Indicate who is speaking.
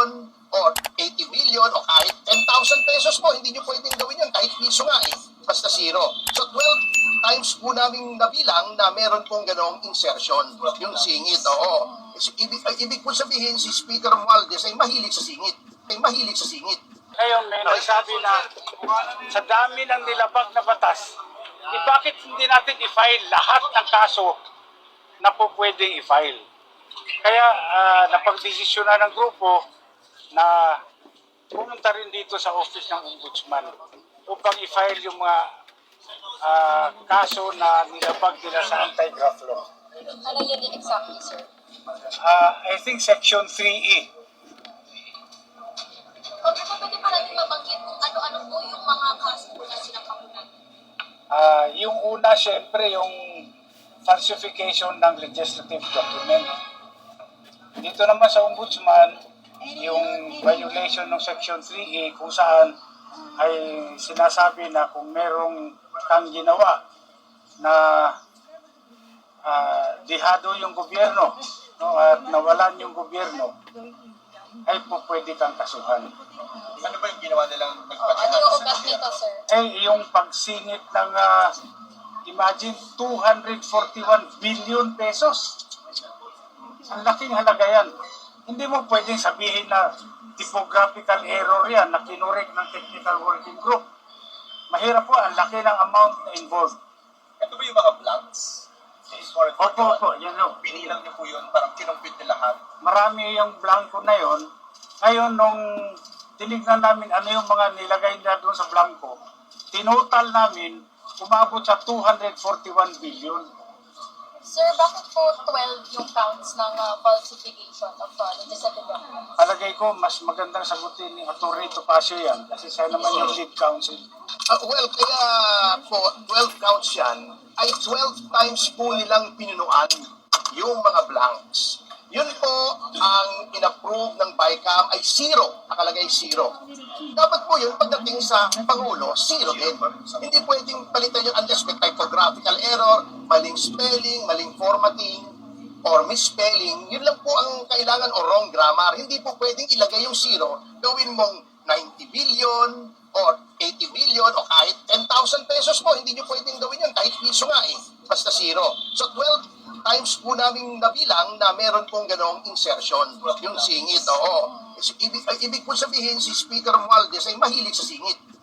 Speaker 1: billion or 80 billion o kahit 10,000 pesos po, hindi nyo pwedeng gawin yun, kahit piso nga eh, basta zero. So 12 times po namin nabilang na meron pong ganong insertion, yung singit, oo. Ibig po sabihin, si Speaker Romualdez ay mahilig sa singit.
Speaker 2: Ngayon may nagsabi na sa dami ng nilabag na batas, bakit hindi natin i-file lahat ng kaso na po pwedeng i-file? Kaya napagdesisyonan ng grupo na pumunta rin dito sa office ng Ombudsman upang i-file yung mga kaso na nilabag nila sa anti-graft law.
Speaker 3: Ano yun exactly, sir?
Speaker 2: I think Section 3E.
Speaker 3: Pwede pa natin mabanggit kung ano-ano po yung mga kaso na sinakamunan.
Speaker 2: Yung una, syempre, yung falsification ng legislative document. Dito naman sa Ombudsman, yung violation ng Section 3A kung saan ay sinasabi na kung merong kang ginawa na dihado yung gobyerno, no, at nawalan yung gobyerno, ay po pwede kang kasuhan.
Speaker 4: Ano ba yung ginawa nilang
Speaker 3: Ano yung ugat nito, sir?
Speaker 2: Yung pagsingit ng, imagine, 241 billion pesos. Ang laking halaga yan. Hindi mo pwedeng sabihin na typographical error yan na kinurek ng technical working group. Mahirap po, ang laki ng amount na involved.
Speaker 4: Ito ba yung mga blanks?
Speaker 2: Opo, yan o.
Speaker 4: Binilang niyo po yun, parang kinumpit niyo lahat.
Speaker 2: Marami yung blanco na yon. Ngayon, nung tinignan namin ano yung mga nilagay na doon sa blanco, tinotal namin, umabot sa 241 billion.
Speaker 3: Sir, bakit po 12 yung counts ng falsification of legislative documents?
Speaker 2: Palagay ko, mas magandang sagutin ni Atty. Topacio yan kasi siya naman yung lead counsel.
Speaker 1: Well, kaya po, 12 counts yan, ay 12 times po nilang pinunuan yung mga blanks. Yun po ang inapprove ng BICAM ay zero, nakalagay zero. Dapat po yun, pagdating sa Pangulo, zero din. Hindi pwedeng palitan yun unless may typographical error, maling spelling, maling formatting, or misspelling. Yun lang po ang kailangan o wrong grammar. Hindi po pwedeng ilagay yung zero, gawin mong 90 billion or 80 billion o kahit 10,000 pesos po. Hindi nyo pwedeng gawin yun, kahit piso nga eh, basta zero. So 12 times po namin nabilang na meron pong ganong insertion, yung singit, oo. Ibig po sabihin, si Speaker Romualdez ay mahilig sa singit.